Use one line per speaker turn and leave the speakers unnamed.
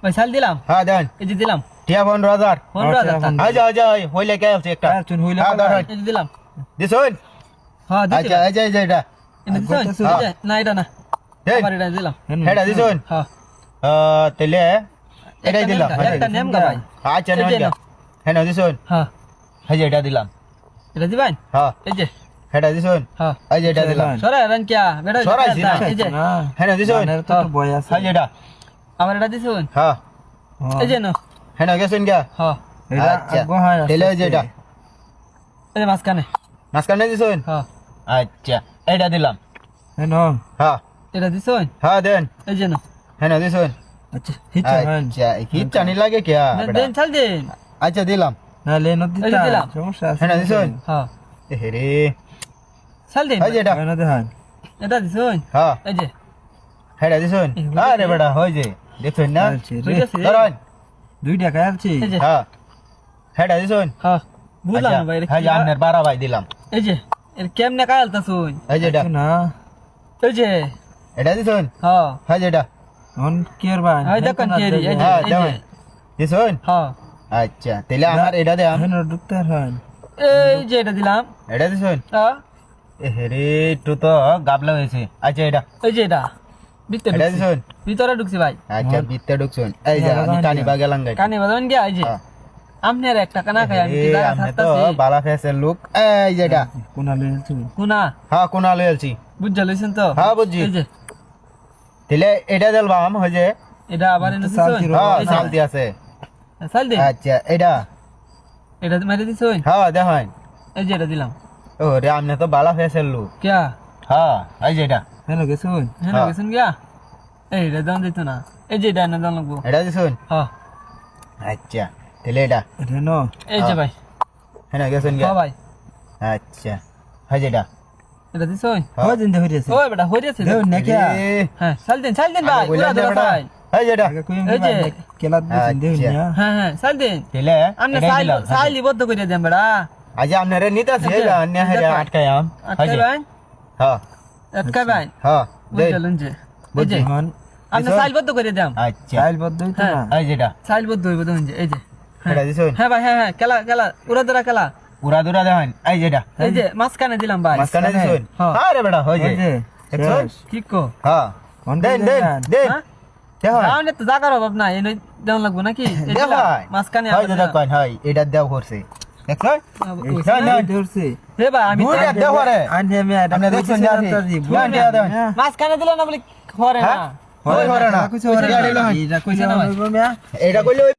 ভাই সাল দিলাম
হ্যাঁ দেন
এই যে দিলাম
টিয়া 15000
15,000
আজ আজ হইলে কে আছে একটা
তুই হইলে
হ্যাঁ ধরেন
এই যে দিলাম
দিছুন
হ্যাঁ
আচ্ছা এই যে এটা
এটা দিছেন
হ্যাঁ।
এই যে, না এটা না
দেন
আবার এটা দিলাম
হেডা দিছুন
হ্যাঁ
তাহলে এটাই দিলাম
একটা নেম গা ভাই
আচ্ছা
এই যে
নেন
নাও।
হেডা দিছুন
হ্যাঁ
এই যে এটা দিলাম
এটা দিবেন
হ্যাঁ
এই যে
হেডা দিছুন
হ্যাঁ
এই যে এটা দিলাম
সরা রান কিয়া বেটা
সরাইছি না।
এই যে
হেডা দিছুন
তো বই আছে
এই যে এটা
আমার এটা দিছেন
হ্যাঁ
এই যে না
হেডা গেছুন গা
হ্যাঁ
এটা
আচ্ছা
আগো হয়
তাহলে এই যে এটা
এই যে মাঝখানে
মাঝখানে দিছুন
হ্যাঁ
আচ্ছা এটা দিলাম
হেন
হ্যাঁ
এটা দিছেন
হ্যাঁ দেন
এই যে না
হেডা দিছুন
আচ্ছা হিচা হেন
আচ্ছা হিট চানি লাগে কে
দেন চাল দেন
আচ্ছা দিলাম
না লে নদী
এই যে দিলাম।
সমস্যা আছে
হেডা দিছুন
হ্যাঁ
এ রে
চাল দেন
এই যে এটা
হেন দেখান
এটা দিছেন
হ্যাঁ
এই যে
হেডা দিছুন আরে বেটা হই যে দেখুন না
ঠিক আছে
ধরুন
2 টাকা আছে
এই যে
হ্যাঁ হেডা দিছুন
হ্যাঁ বুঝলাম না ভাই এটা
হ্যাঁ
কি?
আপনার 12 ভাই দিলাম
এই যে এর কেমনে কালতাছুন
এই যে এটা
না
এই যে
এটা দিছুন
হ্যাঁ
হ্যাঁ যে এটা
অন কেয়ার বা
এই দেখুন কেরি এই যে
হ্যাঁ
এই যে
দেবেন দিছুন
হ্যাঁ
আচ্ছা তাহলে আমার এটা দে
হেন ঢুকতে হন
এই যে এটা দিলাম
এটা দিছুন
হ্যাঁ
এ রে একটু তো গাবলা হয়েছে আচ্ছা এটা
এই যে এটা ভিতরে
এটা
ঢুকছি।
দিছুন
ভিতরে ঢুকছি ভাই
আচ্ছা বিতে ঢুকছুন এই যে আমি টানি বা গেলাম গাই
কানে বাজাবেন গিয়া এই যে আপনার একটা কানা খাই আমি কি দাঁড়া
আমি তো
থাকতাছি
বালা ফেসের লুক এই যে এটা
কোনা লইছি
কুনা
হ্যাঁ কোনা লইলছি
বুঝা লইছেন তো
হ্যাঁ বুঝছি
এই যে
তাহলে এটা দিলবাম হই যে
এটা আবার এনে
সাল
দিছেন
দিলো।
হ্যাঁ
এই যে,
শান্তি আছে
সাল দে
আচ্ছা এটা
এটা মেরে দিছেন
হ্যাঁ দেখেন
এই যে এটা দিলাম
ও রে আমনে তো বালা ফেসের লুক
কিয়া
হ্যাঁ এই যে এটা
হেন গেছুন
হ্যাঁ
হ্যাঁ।
গেছেন গিয়া এই এটা দাম দিত না এই যে এটা এনে দাম লাগবো
এটা দিছুন
হ্যাঁ
আচ্ছা তাহলে এটা
হেন
এই যে ভাই
হ্যাঁ গেছেন
হ্যাঁ ভাই
আচ্ছা হয় যে এটা
এটা দিছেন
হয় দিন হইছে
ওই বেটা হইছে
দেও নাকি
হ্যাঁ চাল দেন ভাই পুরা ধরা ভাই
এই যে এটা
আগে কইম
এই যে।
কেলা দিন দেও
আচ্ছা।
না
হ্যাঁ হ্যাঁ চাল দেন
তাহলে
আপনি
এটা দিলাম
সাইলি বদ্ধ করে দেন বেটা
আজ আপনারে নিতাছি
আচ্ছা,
অন্য হেরে
দেখো।
আটকায়াম হয় যে
আটকাবেন
হ্যাঁ
আটকাবেন
হ্যাঁ দেই
বুঝলেন যে এই যে
বুঝছি।
হন
আপনি সাইল বদ্ধ করে দেন
আচ্ছা
চাইল বদ্ধ হইতো
হ্যাঁ।
না
এই যেটা
সাইল বদ্ধ হইব দেখুন যে এই যে হ্যাঁ।
এটা দিছুন
হ্যাঁ ভাই হ্যাঁ খেলা খেলা উড়া ধরা খেলা
পুরা দুরা দেখেন এই যেটা
এই যে মাঝখানে দিলাম ভাই
মাঝখানে দিছুন
হ্যাঁ।
আরে বেটা হয় যে
ওই যে
দেখছুন?
কি কো
হ্যাঁ
কোন
দেন
দিন
দেন
দেন?
দেন
হ্যাঁ?
দেখেন
তাহলে তো জাগার অভাব নাই এনে দেওয়ান লাগবো নাকি এই
দেখেন
দিলাম, মাঝখানে
হয়
আবার
যে
দিলাম।
দেখেন হয় এটা দেও করছে দেখছুন
এই
না, না।
ধরছে
হে ভাই আমি
দুইটা
তো-
দেও রে
আনহে আমি এটা
আপনি দেখছেন যে আপনি? না, দেয়া দেন।
মাঝখানে দিলাম না বলে করে না
হ্যাঁ? হয় করে না।
কইছে ওরে
এটা দিলো হয়।
এটা কইছে না
এটা কইলে